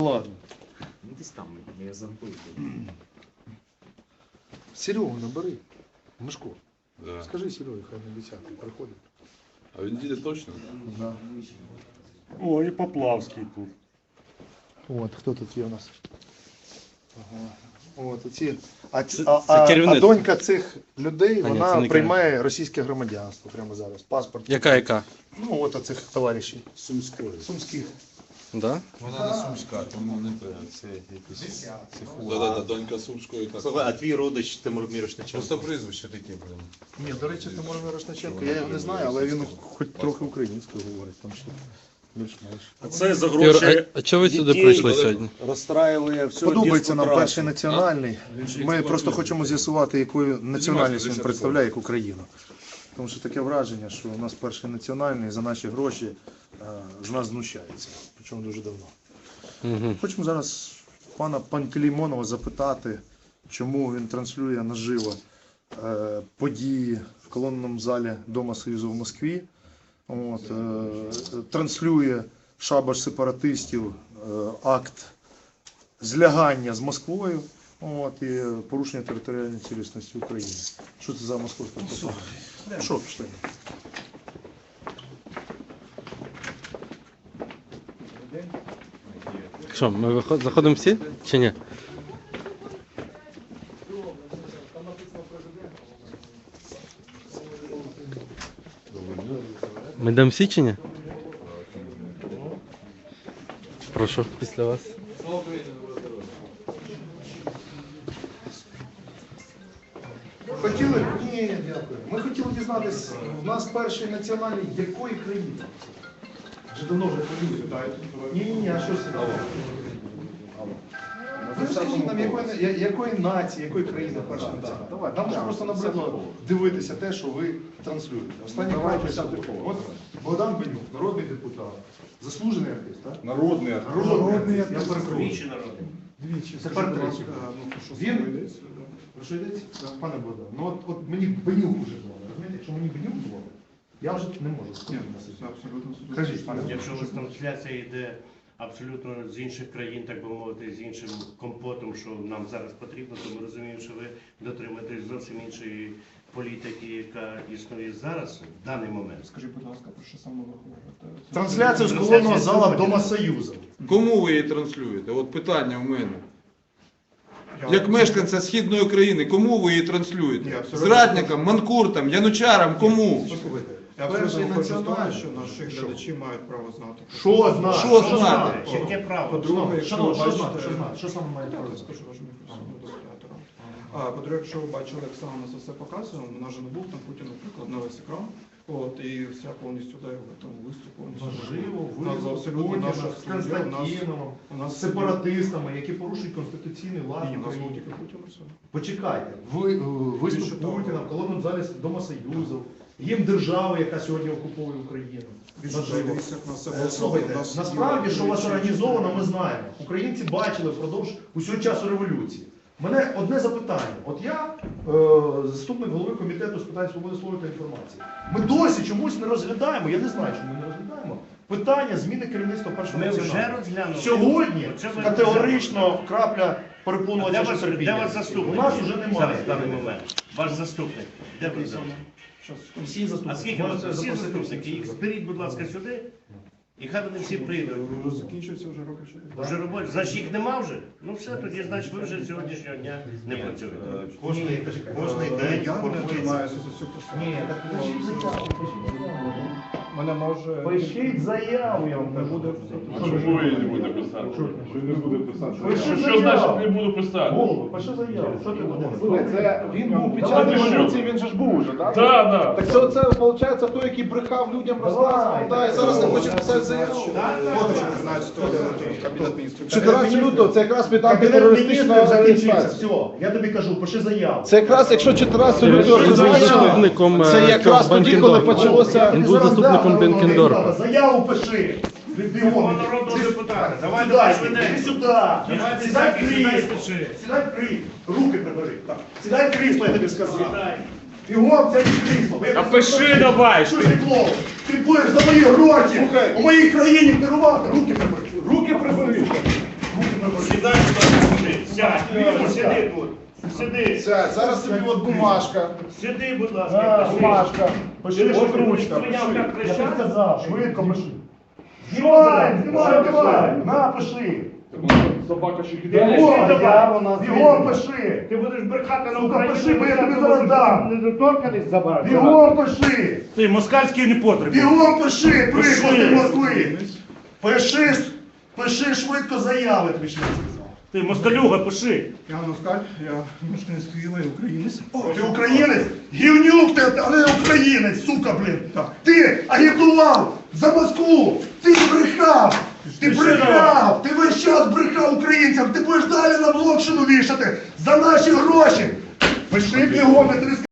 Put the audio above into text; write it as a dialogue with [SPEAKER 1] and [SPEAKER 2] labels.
[SPEAKER 1] Ладно.
[SPEAKER 2] Ну десь там, я забув.
[SPEAKER 1] Серегу набери. Мишко.
[SPEAKER 3] Да.
[SPEAKER 1] Скажи Серегі, хай на 10-й приходить.
[SPEAKER 3] А він їде точно?
[SPEAKER 1] Да.
[SPEAKER 4] О, і Поплавський тут.
[SPEAKER 1] От, хто тут є у нас? Ага. От, ці,
[SPEAKER 5] це керівник.
[SPEAKER 1] а донька цих людей,
[SPEAKER 5] Ні,
[SPEAKER 1] вона
[SPEAKER 5] це не
[SPEAKER 1] приймає російське громадянство прямо зараз. Паспорт.
[SPEAKER 5] Яка?
[SPEAKER 1] Ну, от оцих товаришів.
[SPEAKER 3] Сумської.
[SPEAKER 1] Сумських.
[SPEAKER 5] Да?
[SPEAKER 3] Вона не сумська, тому не певно. Це якийсь... Да, донька Сумської. Так.
[SPEAKER 2] Слухай, а твій родич Тимур Мірошниченко?
[SPEAKER 3] Просто прізвище таке, блин.
[SPEAKER 1] Ні, до речі, Тимур Мірошниченко, я його не знаю, але він хоч трохи українською говорить, там що більш-менш.
[SPEAKER 2] А це за
[SPEAKER 5] Юр,
[SPEAKER 2] гроші
[SPEAKER 5] а чого ви сюди
[SPEAKER 2] дітей
[SPEAKER 5] прийшли сьогодні?
[SPEAKER 2] розстраювали всю
[SPEAKER 1] Подобається нам
[SPEAKER 2] радянську
[SPEAKER 1] перший
[SPEAKER 2] трасу.
[SPEAKER 1] національний.
[SPEAKER 3] Він же
[SPEAKER 1] Ми
[SPEAKER 3] експлуатує.
[SPEAKER 1] просто хочемо з'ясувати, якою національність він
[SPEAKER 3] 10
[SPEAKER 1] представляє, як Україну. Тому що таке враження, що у нас перший національний за наші гроші з нас знущається. Причому дуже давно.
[SPEAKER 5] Угу.
[SPEAKER 1] Хочемо зараз пана Пантелеймонова запитати, чому він транслює наживо події в колонному залі Дома Союзу в Москві. От, транслює шабаш сепаратистів, акт злягання з Москвою, от, і порушення територіальної цілісності України. Що це за московська пропаганда? Що пішли?
[SPEAKER 5] Що, ми заходимо всі чи ні? Ми йдемо всі чи ні? Прошу, після вас.
[SPEAKER 1] Хотіли? Ні, дякую. Ми хотіли дізнатися, в нас перший національний якої країни? Вже давно вже полюють. Ні, а що це? Ну, скажіть нам, якої нації, якої країни перший національний? Давай, нам вже просто набридло дивитися те, що ви транслюєте. Останній край, от Богдан Бенюк, народний депутат, заслужений артист, так?
[SPEAKER 3] Народний артист.
[SPEAKER 1] Народний артист. Я перепрошую.
[SPEAKER 2] Двічі народний.
[SPEAKER 1] Двічі. Тепер третій. Він, про що йдеться? Пане Богдан, ну от мені Бенюк уже дзвонить. Розумієте, якщо мені Бенюк дзвонить, я вже не можу сказати. Кажіть, пане Богдан.
[SPEAKER 6] Якщо у вас трансляція йде абсолютно з інших країн, так би мовити, з іншим компотом, що нам зараз потрібно, то ми розуміємо, що ви дотримуєтесь зовсім іншої політики, яка існує зараз, в даний момент.
[SPEAKER 4] Скажіть, будь ласка, про що саме ви говорите?
[SPEAKER 1] Трансляцію з колонного зала Дома Союзу.
[SPEAKER 3] Кому ви її транслюєте? От питання в мене. Як мешканця Східної України, кому ви її транслюєте? Зрадникам, манкуртам, янучарам, кому?
[SPEAKER 1] Послухайте,
[SPEAKER 4] Я
[SPEAKER 1] перший
[SPEAKER 4] абсолютно хочу знати,
[SPEAKER 1] національний.
[SPEAKER 4] що наші глядачі мають право знати.
[SPEAKER 1] Що знати?
[SPEAKER 3] Що знати?
[SPEAKER 6] Яке право?
[SPEAKER 4] По-друге, якщо ви
[SPEAKER 1] Шановні, що
[SPEAKER 4] бачите...
[SPEAKER 1] знати? Що знати? Що саме має
[SPEAKER 4] Я
[SPEAKER 1] право?
[SPEAKER 4] скажу вашому мікрофону до оператора. По-друге, якщо ви бачили, як саме нас все показує, у нас же не був там Путін, наприклад, на весь екран. От, і вся повністю да, його там виступ повністю.
[SPEAKER 1] Можливо,
[SPEAKER 4] У нас абсолютно
[SPEAKER 1] Путіна
[SPEAKER 4] наша
[SPEAKER 1] з
[SPEAKER 4] студія,
[SPEAKER 1] Константиновим,
[SPEAKER 4] у нас
[SPEAKER 1] з сепаратистами, які порушують конституційний лад
[SPEAKER 4] Ні, у нас
[SPEAKER 1] України.
[SPEAKER 4] був тільки Путін і все.
[SPEAKER 1] Почекайте, виступ
[SPEAKER 4] Більше того.
[SPEAKER 1] Путіна в колонному залі Дома Союзу, їм держава, яка сьогодні окуповує Україну. Наживо.
[SPEAKER 4] Дивіться, як нас все було.
[SPEAKER 1] Слухайте,
[SPEAKER 4] У нас
[SPEAKER 1] насправді,
[SPEAKER 4] є
[SPEAKER 1] що у вас
[SPEAKER 4] величезні-
[SPEAKER 1] організовано, ми знаємо. Українці бачили впродовж усього часу революції. У мене одне запитання. От я заступник голови комітету з питань свободи слова та інформації. Ми досі чомусь не розглядаємо, я не знаю, чому ми не розглядаємо, питання зміни керівництва першого
[SPEAKER 6] Ми вже
[SPEAKER 1] національного.
[SPEAKER 6] розглянули.
[SPEAKER 1] Сьогодні
[SPEAKER 6] Оце ви
[SPEAKER 1] категорично крапля перепонувача
[SPEAKER 6] Де вас,
[SPEAKER 1] терпіння.
[SPEAKER 6] де вас заступник?
[SPEAKER 1] У нас вже
[SPEAKER 6] Зараз,
[SPEAKER 1] немає.
[SPEAKER 6] в даний момент. Ваш заступник. Де ви зараз?
[SPEAKER 1] Всі
[SPEAKER 6] А
[SPEAKER 1] заступники.
[SPEAKER 6] скільки у вас
[SPEAKER 1] Можете
[SPEAKER 6] всі
[SPEAKER 1] запросити
[SPEAKER 6] заступники?
[SPEAKER 1] всіх.
[SPEAKER 6] Їх зберіть, будь ласка, сюди. І хай вони всі прийдуть.
[SPEAKER 4] Закінчується вже роки 4.
[SPEAKER 6] Вже роботи. Значить їх нема вже? Ну все, тоді значить ви вже з сьогоднішнього дня не працюєте.
[SPEAKER 2] Кожний день
[SPEAKER 4] Я не
[SPEAKER 2] формується.
[SPEAKER 4] займаюся з усю посаду.
[SPEAKER 1] Ні, так пишіть заяву.
[SPEAKER 4] Мене може...
[SPEAKER 1] Пишіть заяву, я вам
[SPEAKER 4] Не
[SPEAKER 1] кажу.
[SPEAKER 4] буде...
[SPEAKER 7] Чому я не буду писати? Що не буде писати?
[SPEAKER 1] Пиши
[SPEAKER 7] Що значить
[SPEAKER 1] заяву.
[SPEAKER 7] не буду писати?
[SPEAKER 1] Голову, пиши заяву. Що ти будеш?
[SPEAKER 8] Це він був під час
[SPEAKER 1] Давай,
[SPEAKER 8] революції, він же ж був уже, так?
[SPEAKER 7] Так, так.
[SPEAKER 8] Так це виходить той, який брехав людям, розказував, та, і зараз не хоче писати заяву.
[SPEAKER 4] Фото, не знаю, що Кабінет міністрів.
[SPEAKER 8] 14 лютого, це якраз під
[SPEAKER 1] Кабінет
[SPEAKER 8] антитерористичну
[SPEAKER 1] міністрів закінчився.
[SPEAKER 8] адміністрацію.
[SPEAKER 1] Все, я тобі кажу, пиши заяву.
[SPEAKER 8] Це якраз, якщо 14 лютого
[SPEAKER 5] Він був
[SPEAKER 8] зазначено,
[SPEAKER 5] заступником
[SPEAKER 8] це якраз
[SPEAKER 5] цього
[SPEAKER 8] тоді, коли
[SPEAKER 5] Бенкендорфа.
[SPEAKER 8] почалося...
[SPEAKER 5] Він був заступником Бенкендорфа.
[SPEAKER 1] Заяву пиши. Бігом.
[SPEAKER 6] Народного депутата. Давай,
[SPEAKER 1] Сідай,
[SPEAKER 6] давай,
[SPEAKER 1] іди
[SPEAKER 6] швиденько.
[SPEAKER 1] сюди.
[SPEAKER 6] Давай,
[SPEAKER 1] Сідай в
[SPEAKER 6] сідай,
[SPEAKER 1] крісло.
[SPEAKER 6] пиши.
[SPEAKER 1] Сідай в крісло. Руки прибери. Так. Сідай в крісло, я тобі сказав.
[SPEAKER 6] Сідай.
[SPEAKER 1] Бігом, це крісло.
[SPEAKER 7] А пиши давай!
[SPEAKER 1] Що ти клоун? Ти будеш за мої гроші
[SPEAKER 8] Слухай.
[SPEAKER 1] у моїй країні керувати. Руки прибери.
[SPEAKER 8] Руки прибери.
[SPEAKER 6] Сядь, сиди тут. Сиди.
[SPEAKER 8] Сядь, зараз тобі от бумажка.
[SPEAKER 6] Сиди, будь
[SPEAKER 8] На,
[SPEAKER 6] ласка.
[SPEAKER 8] бумажка. Пиши,
[SPEAKER 6] Ти
[SPEAKER 8] що
[SPEAKER 6] можеш
[SPEAKER 8] ручка.
[SPEAKER 6] прийняв, як
[SPEAKER 8] Пиши. Я
[SPEAKER 6] кричав?
[SPEAKER 8] тобі сказав, швидко пиши. Знімай, на, пиши.
[SPEAKER 7] Собака ще
[SPEAKER 8] Бігом пиши.
[SPEAKER 6] Ти будеш брехати на
[SPEAKER 8] Сука,
[SPEAKER 6] Україну.
[SPEAKER 8] пиши, бо я тобі зараз дам.
[SPEAKER 6] Недоторканість забрати.
[SPEAKER 8] Бігом пиши.
[SPEAKER 6] Ти москальський не потрібен.
[SPEAKER 8] Бігом пиши, приклади
[SPEAKER 6] Пиши.
[SPEAKER 8] Москви. Пиши швидко заяви, тобі ще не сказав.
[SPEAKER 6] Ти москалюга, пиши.
[SPEAKER 4] Я Москаль, я мешканець Києва і українець.
[SPEAKER 8] Ти українець? Гівнюк ти, а не українець, сука, блін. Ти агітував за Москву, ти брехав, ти весь час брехав українцям, ти будеш далі на блокшину вішати за наші гроші. Пиши бігом, я тобі